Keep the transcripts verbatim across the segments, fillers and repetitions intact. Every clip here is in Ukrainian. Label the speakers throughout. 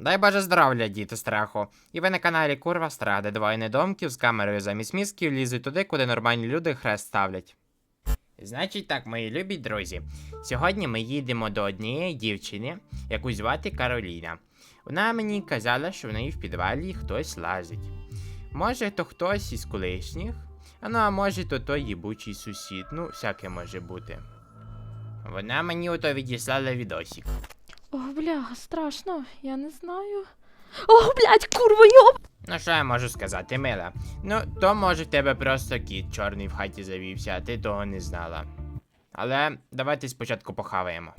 Speaker 1: Дай Боже здоров'я, діти страху. І ви на каналі Курва Страх, де двоє недомків з камерою замість мізків лізуть туди, куди нормальні люди хрест ставлять. Значить так, мої любі друзі, сьогодні ми їдемо до однієї дівчини, яку звати Кароліна. Вона мені казала, що в неї в підвалі хтось лазить. Може, то хтось із колишніх, а ну а може, то той їбучий сусід, ну, всяке може бути. Вона мені ото відіслала відосик.
Speaker 2: Ох, бляха, страшно, я не знаю. Ох, блядь, курва, йоп!
Speaker 1: Ну, що я можу сказати, мила? Ну, то може в тебе просто кіт чорний в хаті завівся, а ти того не знала. Але давайте спочатку похаваємо.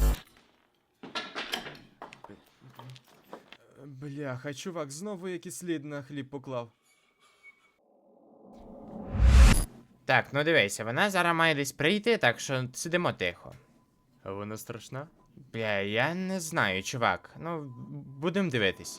Speaker 3: Бляха, чувак, знову якийсь слід на хліб поклав.
Speaker 1: Так, ну дивися, вона зараз має десь прийти, так що сидимо тихо.
Speaker 3: А вона страшна?
Speaker 1: Бля, я не знаю, чувак. Ну, будемо дивитись.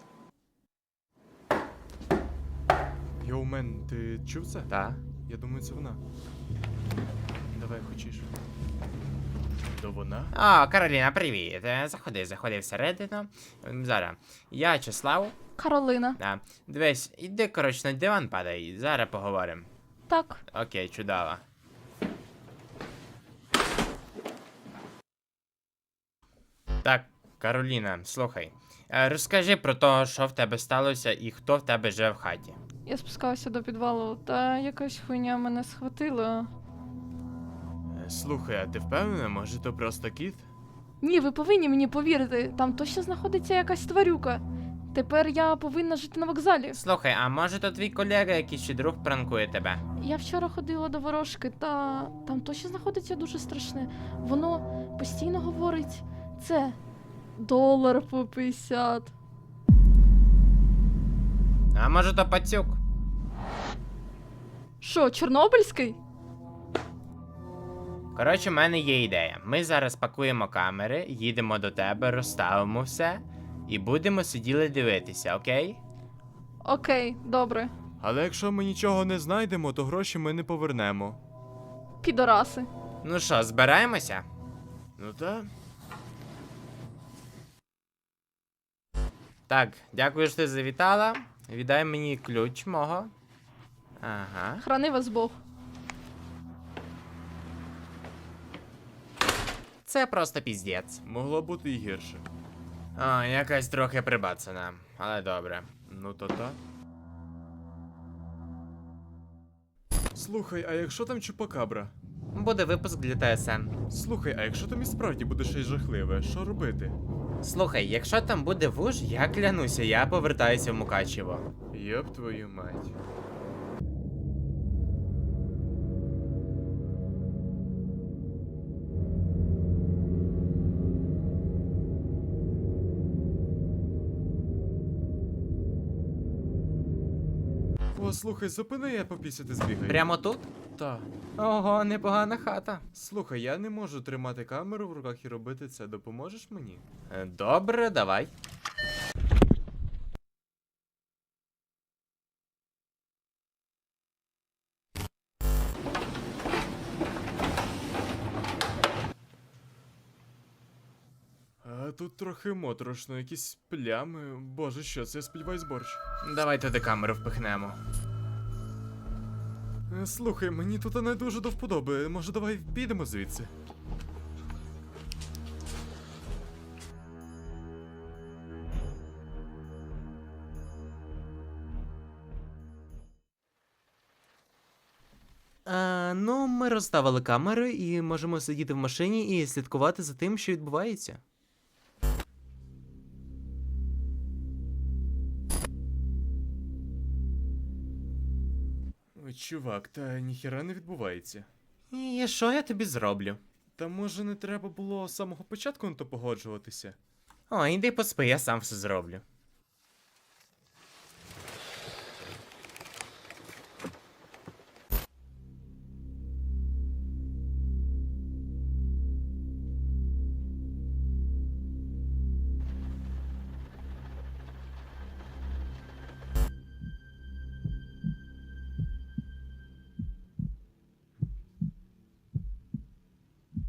Speaker 3: Йоу, мен, ти чув це?
Speaker 1: Та?
Speaker 3: Я думаю, це вона. Давай, хочеш. То вона?
Speaker 1: О, Кароліна, привіт. Е, Заходи, заходи всередину. М, Зараз. Я Числав.
Speaker 2: Каролина.
Speaker 1: Да. Дивись, іди, коротше, на диван падай, зараз поговоримо.
Speaker 2: Так.
Speaker 1: Окей, чудово. Так, Кароліна, слухай. Е, Розкажи про те, що в тебе сталося і хто в тебе живе в хаті.
Speaker 2: Я спускалася до підвалу, та якась хуйня мене схватила.
Speaker 3: Е, Слухай, а ти впевнена, може то просто кіт?
Speaker 2: Ні, ви повинні мені повірити, там точно знаходиться якась тварюка. Тепер я повинна жити на вокзалі.
Speaker 1: Слухай, а може то твій колега, якийсь чи друг пранкує тебе?
Speaker 2: Я вчора ходила до ворожки, та там точно знаходиться дуже страшне. Воно постійно говорить це долар по п'ятдесят.
Speaker 1: А може то пацюк?
Speaker 2: Що, Чорнобильський?
Speaker 1: Коротше, в мене є ідея. Ми зараз пакуємо камери, їдемо до тебе, розставимо все і будемо сиділи дивитися, окей?
Speaker 2: Окей, добре.
Speaker 3: Але якщо ми нічого не знайдемо, то гроші ми не повернемо.
Speaker 2: Підораси.
Speaker 1: Ну що, збираємося?
Speaker 3: Ну та.
Speaker 1: Так, дякую, що ти завітала. Віддай мені ключ мого. Ага.
Speaker 2: Храни вас Бог.
Speaker 1: Це просто піздець.
Speaker 3: Могло бути і гірше.
Speaker 1: А, якась трохи прибацана, але добре.
Speaker 3: Ну то та. Слухай, а якщо там чупакабра?
Speaker 1: Буде випуск для ТСН.
Speaker 3: Слухай, а якщо там і справді буде щось жахливе, що робити?
Speaker 1: Слухай, якщо там буде вуж, я клянуся, я повертаюся в Мукачево.
Speaker 3: Йоп твою мать. О, слухай, зупини, я попісяти збігаю.
Speaker 1: Прямо тут?
Speaker 3: Та.
Speaker 1: Ого, непогана хата.
Speaker 3: Слухай, я не можу тримати камеру в руках і робити це. Допоможеш мені?
Speaker 1: Е, Добре, давай.
Speaker 3: А тут трохи моторошно, якісь плями. Боже, що це, я сподіваюсь, борщ.
Speaker 1: Давай туди камеру впихнемо.
Speaker 3: Е, Слухай, мені тут не дуже до вподоби. Може, давай підемо звідси?
Speaker 1: Е, ну, ми розставили камери і можемо сидіти в машині і слідкувати за тим, що відбувається.
Speaker 3: Ой, чувак, та ніхіра не відбувається.
Speaker 1: І що я тобі зроблю?
Speaker 3: Та може не треба було з самого початку на то погоджуватися?
Speaker 1: О, іди поспи, я сам все зроблю.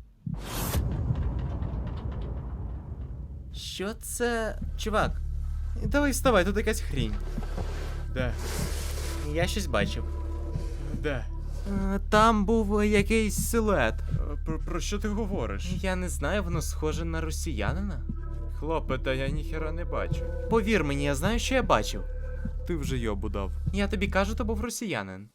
Speaker 1: Що це? Чувак, Давай вставай, тут якась хрінь.
Speaker 3: Де?
Speaker 1: Я щось бачив.
Speaker 3: Де?
Speaker 1: Е, Там був якийсь силует.
Speaker 3: Е, Про, про що ти говориш?
Speaker 1: Я не знаю, воно схоже на росіянина.
Speaker 3: Хлопе, та я ніхера не бачу.
Speaker 1: Повір мені, я знаю, що я бачив.
Speaker 3: Ти вже йобу дав.
Speaker 1: Я тобі кажу, то був росіянин.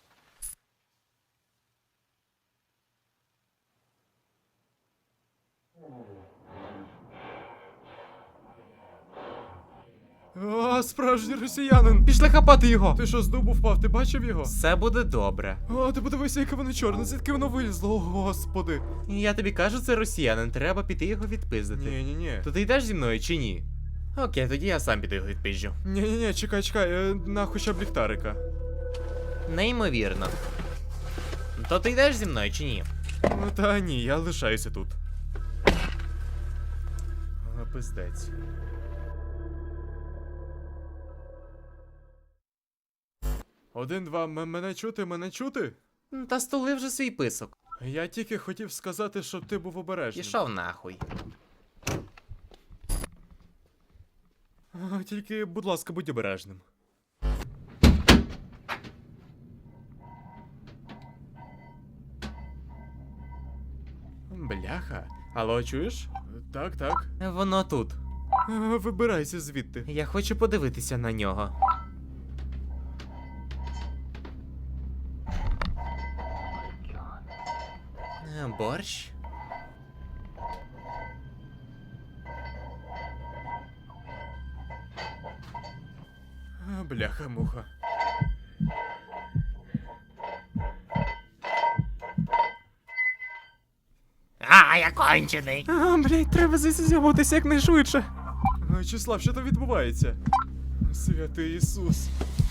Speaker 3: О, справжній росіянин!
Speaker 1: Пішли хапати його!
Speaker 3: Ти що, з дубу впав? Ти бачив його?
Speaker 1: Все буде добре.
Speaker 3: О, ти подивися, яке воно чорне, звідки воно вилізло, о господи.
Speaker 1: Я тобі кажу, це росіянин, треба піти його відпиздити.
Speaker 3: Ні, ні, ні.
Speaker 1: То ти йдеш зі мною чи ні? Окей, тоді я сам піду його відпизджу.
Speaker 3: Ні, ні, ні, чекай, чекай, е, на хоча б ліхтарика.
Speaker 1: Неймовірно. То ти йдеш зі мною чи ні?
Speaker 3: Ну та ні, я лишаюся тут. А, пиздець. Один, два, м- мене чути, мене чути?
Speaker 1: Та столи вже свій писок.
Speaker 3: Я тільки хотів сказати, щоб ти був обережним.
Speaker 1: Пішов нахуй.
Speaker 3: А, тільки, будь ласка, будь обережним. Бляха. Алло, чуєш? Так, так.
Speaker 1: Воно тут.
Speaker 3: А, вибирайся звідти.
Speaker 1: Я хочу подивитися на нього. Е, Борщ?
Speaker 3: А, бляха, муха.
Speaker 1: А, я кончений.
Speaker 3: А, блядь, треба звідси з'явитися якнайшвидше. А, Числав, що там відбувається? Святий Ісус.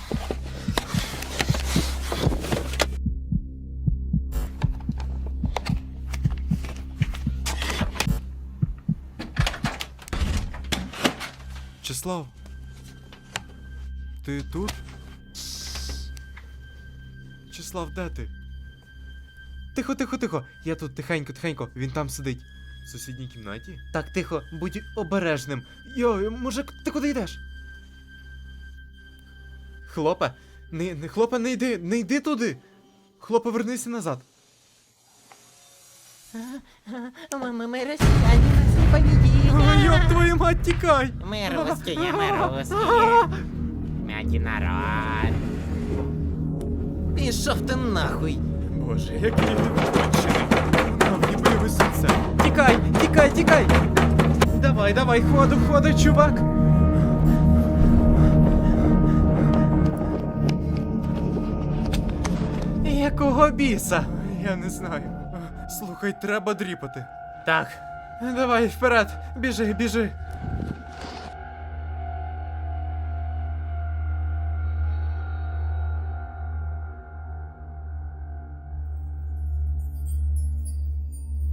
Speaker 3: Числав. Ти тут? Числав, де ти?
Speaker 1: Тихо, тихо, тихо. Я тут тихенько, тихенько. Він там сидить.
Speaker 3: В сусідній кімнаті?
Speaker 1: Так, тихо, будь обережним. Йой, мужик, ти куди йдеш? Хлопе, не, не хлопе, не йди, не йди туди. Хлопе, вернися назад.
Speaker 4: Мы, мы, мы россияне, нас не победили.
Speaker 3: Ой, ёб твою мать, тікай!
Speaker 4: Мы русские, мы русские. Мягкий народ.
Speaker 1: Пішов ти нахуй.
Speaker 3: Боже, який він кончений. Нам не бойове серце.
Speaker 1: Тікай, тікай, тікай. Давай, давай, ходу, ходу, чувак. Якого біса?
Speaker 3: Я не знаю. Слухай, треба дріпати.
Speaker 1: Так, давай вперед, біжи, біжи.